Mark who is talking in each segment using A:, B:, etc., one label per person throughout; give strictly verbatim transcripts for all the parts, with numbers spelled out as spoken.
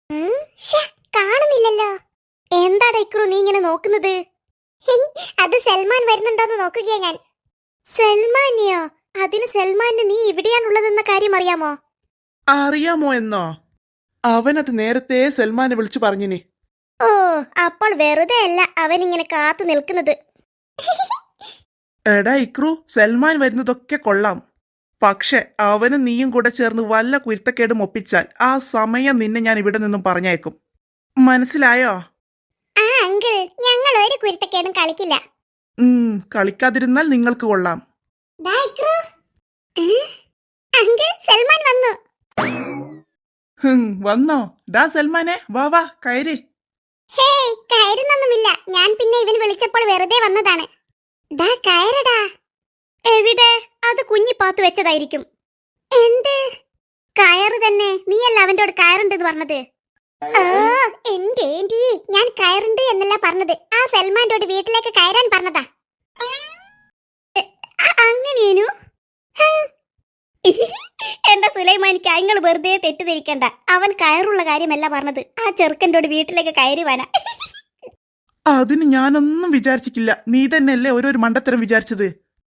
A: ഉം, ശ്ശെ, കാണുന്നില്ലല്ലോ. എന്താടാ ഇക്രു നീ ഇങ്ങനെ നോക്കുന്നത്? അത് സൽമാൻ വരുന്നുണ്ടോന്ന് നോക്കുകയാ ഞാൻ. സൽമാനിയോ? അതിന് സൽമാന് നീ ഇവിടെയാണുള്ളതെന്ന കാര്യം അറിയാമോ?
B: അറിയാമോ എന്നോ? അവനത് നേരത്തെ സൽമാനെ വിളിച്ചു പറഞ്ഞിനി.
A: ഓ, അപ്പോൾ വെറുതെ അല്ല അവൻ ഇങ്ങനെ കാത്തു നിൽക്കുന്നത്.
B: എടാ ഇക്രു, സൽമാൻ വരുന്നതൊക്കെ കൊള്ളാം. പക്ഷെ അവനും നീയും കൂടെ ചേർന്ന് വല്ല കുരുത്തക്കേടും ഒപ്പിച്ചാൽ ആ സമയം നിന്നെ ഞാൻ ഇവിടെ നിന്നും പറഞ്ഞേക്കും. മനസ്സിലായോ?
A: ആ അങ്കിൾ, ഞങ്ങൾ ഒരു കുരുത്തക്കേടും കളിക്കില്ല.
B: ഉം കളിക്കാതിരുന്നാൽ നിങ്ങൾക്ക് കൊള്ളാം.
A: ദാ ഇക്രു. ഏ? അങ്കിൾ, സൽമാൻ വന്നു.
B: ഹും, വന്നോ? ഡാ സൽമാനെ, വാ വാ കയറി.
A: ഹേയ്, കയറുന്നൊന്നുമില്ല. ഞാൻ പിന്നെ ഇവൻ വിളിച്ചപ്പോൾ വെറുതെ വന്നതാണ്. ദാ കയറടാ. എവിടെ? അത് കുഞ്ഞി പാത്തു വെച്ചതായിരിക്കും. എന്ത് കയറ് തന്നെ? നീയല്ല അവന്റെ കയറുണ്ടെന്ന് പറഞ്ഞത്. ഓ, എന്റെ ഏന്റി, ഞാൻ കയറുണ്ട് എന്നല്ല പറഞ്ഞത്. ആ സൽമാന്റെ വീട്ടിലേക്ക് കയറാൻ പറഞ്ഞതാ. അങ്ങനെയേനു? എന്റെ സുലൈമാനിക്ക് അങ്ങൾ വെറുതെ തെറ്റിദ്ധരിക്കണ്ട. അവൻ കയറുള്ള കാര്യമല്ല പറഞ്ഞത്. ആ ചെറുക്കൻ്റെ വീട്ടിലേക്ക് കയറി വാനാ.
B: അതിന് ഞാനൊന്നും വിചാരിച്ചിട്ടില്ല. നീ തന്നെയല്ലേ ഓരോരു മണ്ടത്തരം വിചാരിച്ചത്.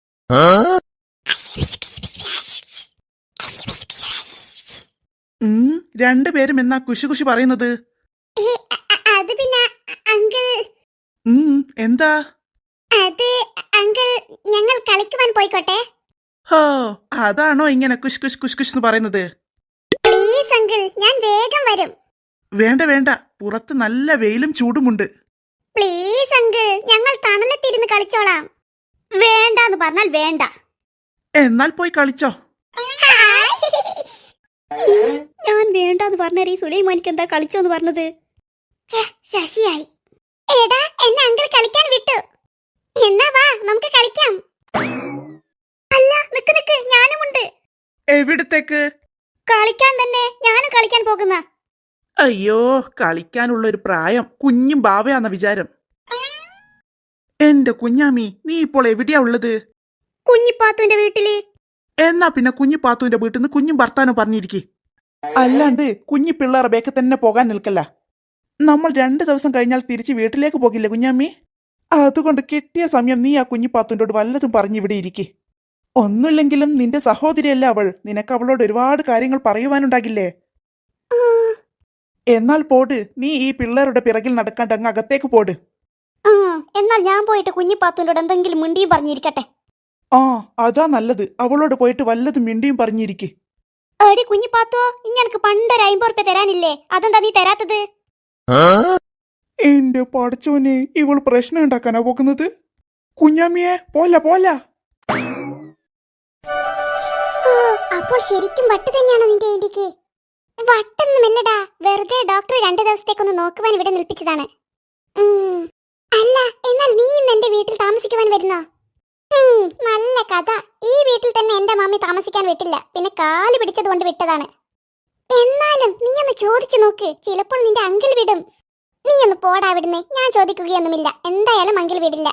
B: ഉം രണ്ടുപേരും എന്നാ കുശി കുശി പറയുന്നത്?
A: അത് പിന്നെ അങ്കിൾ.
B: ഉം എന്താ?
A: അത് അങ്കിൾ, ഞങ്ങൾ കളിക്കുവാൻ പോയിക്കോട്ടെ.
B: ഹോ, അതാണോ ഇങ്ങനെ കുശ് കുശ് കുശ് കുശ് എന്ന് പറയുന്നത്?
A: പ്ലീസ് അങ്കിൾ, ഞാൻ വേഗം വരും.
B: വേണ്ട വേണ്ട, പുറത്ത് നല്ല വെയിലും ചൂടുമുണ്ട്.
A: പ്ലീസ് അങ്കിൾ, ഞങ്ങൾ തണലത്തിരുന്ന് കളിച്ചോളാം. വേണ്ടാന്ന് പറഞ്ഞാൽ വേണ്ട.
B: എന്നാൽ പോയി കളിച്ചോ.
A: ഞാൻ വേണ്ടാന്ന് പറഞ്ഞാൽ ഈ സുലൈമാനിക്ക് എന്താ കളിച്ചോന്ന് പറഞ്ഞത്? ശശിയായി. എടാ, എന്നെ അങ്കിൾ കളിക്കാൻ വിട്ടു. എന്നാ വാ, നമുക്ക് കളിക്കാം. അല്ല, നിക്ക് നിക്ക്, ഞാനുമുണ്ട്.
B: എവിടത്തേക്ക്?
A: കളിക്കാൻ തന്നെ, ഞാനും കളിക്കാൻ പോകുന്ന.
B: അയ്യോ, കളിക്കാനുള്ള ഒരു പ്രായം കുഞ്ഞും ബാവയാന്ന വിചാരം. എന്റെ കുഞ്ഞാമി, നീ ഇപ്പോൾ എവിടെയാ ഉള്ളത്?
A: കുഞ്ഞിപ്പാത്തുന്റെ വീട്ടില്.
B: എന്നാ പിന്നെ കുഞ്ഞിപ്പാത്തുവിന്റെ വീട്ടിൽ നിന്ന് കുഞ്ഞും ഭർത്താനും പറഞ്ഞിരിക്കെ. അല്ലാണ്ട് കുഞ്ഞി പിള്ളേറെ ബേക്ക് തന്നെ പോകാൻ നിൽക്കല്ല. നമ്മൾ രണ്ടു ദിവസം കഴിഞ്ഞാൽ തിരിച്ച് വീട്ടിലേക്ക് പോകില്ലേ കുഞ്ഞാമ്മി? അതുകൊണ്ട് കിട്ടിയ സമയം നീ ആ കുഞ്ഞിപ്പാത്തുവിനോട് വല്ലതും പറഞ്ഞിവിടെ ഇരിക്കെ. ഒന്നുമില്ലെങ്കിലും നിന്റെ സഹോദരിയല്ല അവൾ. നിനക്ക് അവളോട് ഒരുപാട് കാര്യങ്ങൾ പറയുവാനുണ്ടാകില്ലേ? എന്നാൽ പോട്, നീ ഈ പിള്ളേരുടെ പിറകിൽ നടക്കാണ്ട് അങ്ങ് അകത്തേക്ക് പോട്.
A: എന്നാൽ ഞാൻ പോയിട്ട് കുഞ്ഞിപ്പാത്തുവിനോട് എന്തെങ്കിലും മിണ്ടിയും പറഞ്ഞിരിക്കട്ടെ.
B: ആ, അതാ നല്ലത്. അവളോട് പോയിട്ട് വല്ലതും മിണ്ടിയും പറഞ്ഞിരിക്കെ.
A: എടി കുഞ്ഞിപ്പാത്തോ, ഇനി എനിക്ക് പണ്ടൊരു അമ്പത് റുപ്യ തരാനില്ലേ? അതെന്താ നീ തരാത്തത്?
B: എന്റെ പടച്ചോനെ, ഇവൾ പ്രശ്നം ഉണ്ടാക്കാനാ പോകുന്നത്. കുഞ്ഞാമ്മിയെ, പോല പോല.
A: അപ്പോൾ ശരിക്കും വട്ട് തന്നെയാണോ നിന്റെ ഏന്റിക്ക്? വട്ടൊന്നുമില്ലടാ, വെറുതെ ഡോക്ടർ രണ്ടു ദിവസത്തേക്കൊന്ന് നോക്കുവാൻ ഇവിടെ നിൽപ്പിച്ചതാണ്. അല്ല, എന്നാൽ നീ ഇന്ന് എന്റെ വീട്ടിൽ താമസിക്കുവാൻ വരുന്നോ? നല്ല കഥ. ഈ വീട്ടിൽ തന്നെ എന്റെ മാമി താമസിക്കാൻ വിട്ടില്ല, പിന്നെ കാല് പിടിച്ചത് കൊണ്ട് വിട്ടതാണ്. എന്നാലും നീ ഒന്ന് ചോദിച്ചു നോക്ക്, ചിലപ്പോൾ നിന്റെ അങ്കിൾ വിടും. നീ ഒന്ന് പോടാ വിടുന്നേ. ഞാൻ ചോദിക്കുകയൊന്നുമില്ല, എന്തായാലും അങ്കിൾ വിടില്ല.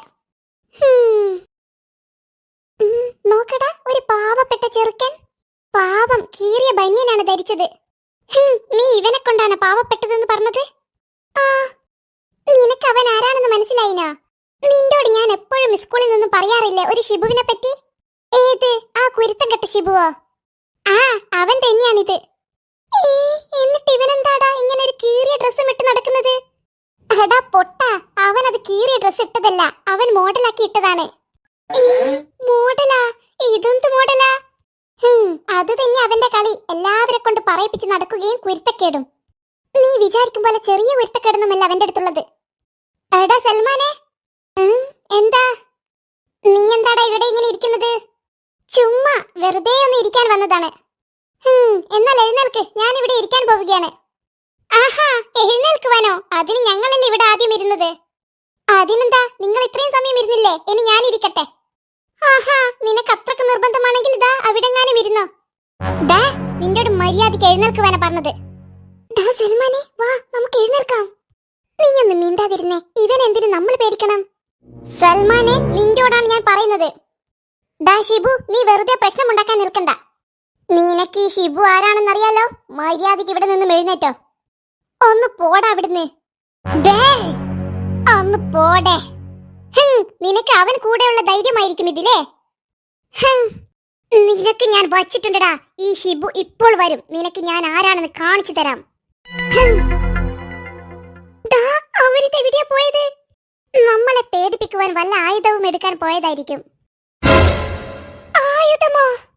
A: നോക്കടാ, ഒരു പാവപ്പെട്ട ചെറുക്കൻ. പാവം, കീറിയ ബനിയനാണ് ധരിച്ചത്. നീ ഇവനെ കൊണ്ടാണ് പാവപ്പെട്ടതെന്ന് പറഞ്ഞത്? ആ, നിനക്ക് അവൻ ആരാണെന്ന് മനസ്സിലായിനാ? നിന്നോട് ഞാൻ എപ്പോഴും സ്കൂളിൽ നിന്നും പറയാറില്ലേ ഒരു ഷിബുവിനെ പറ്റി? ഏത്? ആ കുരുത്തം കെട്ട ഷിബുവോ? ആ, അവൻ തന്നെയാണിത്. എന്നിട്ട് ഇവനെന്താടാ ഇങ്ങനെ ഒരു കീറിയ ഡ്രസ്സും ഇട്ട് നടക്കുന്നത്? എടാ പൊട്ട, അവൻ അത് കീറിയ ഡ്രസ് ഇട്ടതല്ല, അവൻ മോഡലാക്കി ഇട്ടതാണ്. മോഡലാ? ഇതെന്ത് മോഡലാ? അത് തന്നെ അവന്റെ കളി. എല്ലാവരെ കൊണ്ട് പറയിപ്പിച്ച് നടക്കുകയും കുരുത്തക്കേടും. നീ വിചാരിക്കും പോലെ ചെറിയ കുരുത്തക്കേടൊന്നുമല്ല അവന്റെ അടുത്തുള്ളത്. എടാ സൽമാനെ, എന്താ നീ എന്താടാ ഇവിടെ ഇങ്ങനെ ഇരിക്കുന്നത്? ചുമ്മാ വെറുതെ ഒന്ന് ഇരിക്കാൻ വന്നതാണ്. എന്നാൽ എഴുന്നേൽക്ക്, ഞാൻ ഇവിടെ ഇരിക്കാൻ പോവുകയാണ്. ആഹാ, എഴുന്നേൽക്കുവാനോ? അതിന് ഞങ്ങളല്ലേ ഇവിടെ ആദ്യം ഇരുന്നത്. അതിനെന്താ, നിങ്ങൾ ഇത്രയും സമയം ഇരുന്നില്ലേ? ഇനി ഞാൻ ഇരിക്കട്ടെ. ആഹാ, നിനക്ക് അത്രക്ക് നിർബന്ധമാണെങ്കിൽ ഇതാ അവിടെങ്ങാനും ഇരുന്നോ. ഡാ, നിന്നോട് മര്യാദയ്ക്ക് എഴുന്നേൽക്കുവാനാ പറഞ്ഞത്. ഡാ സൽമാനെ, വാ, നമുക്ക് എഴുന്നേൽക്കാം. നീ ഒന്ന് മിണ്ടാതിരുന്നേ. ഇവൻ എന്തിനു നമ്മൾ പേടിക്കണം? സൽമാനെ, നിന്നോടാണ് ഞാൻ പറയുന്നത്. ഡാ ഷിബു, നീ വെറുതെ പ്രശ്നമുണ്ടാക്കാൻ നിൽക്കണ്ട. നിനക്ക് ഈ ഷിബു ആരാണെന്നറിയാലോ. മര്യാദയ്ക്ക് ഇവിടെ നിന്നും എഴുന്നേറ്റോ. ഒന്ന് പോടാ അവിടുന്ന്. ദേ, ഒന്ന് പോടേ. ഹും, നിനക്ക് അവൻ കൂടെയുള്ള ധൈര്യമായിരിക്കും ഇതിലേ. ഹും, നിനക്ക് ഞാൻ വച്ചിട്ടുണ്ടടാ. ഈ ഷിബു ഇപ്പോൾ വരും. നിനക്ക് ഞാൻ ആരാണെന്ന് കാണിച്ചു തരാം. ഹും. ദാ, അവരിത് എവിടെയാ പോയത്? നമ്മളെ പേടിപ്പിക്കുവാൻ വല്ല ആയുധവും എടുക്കാൻ പോയതായിരിക്കും. ആയുധമോ?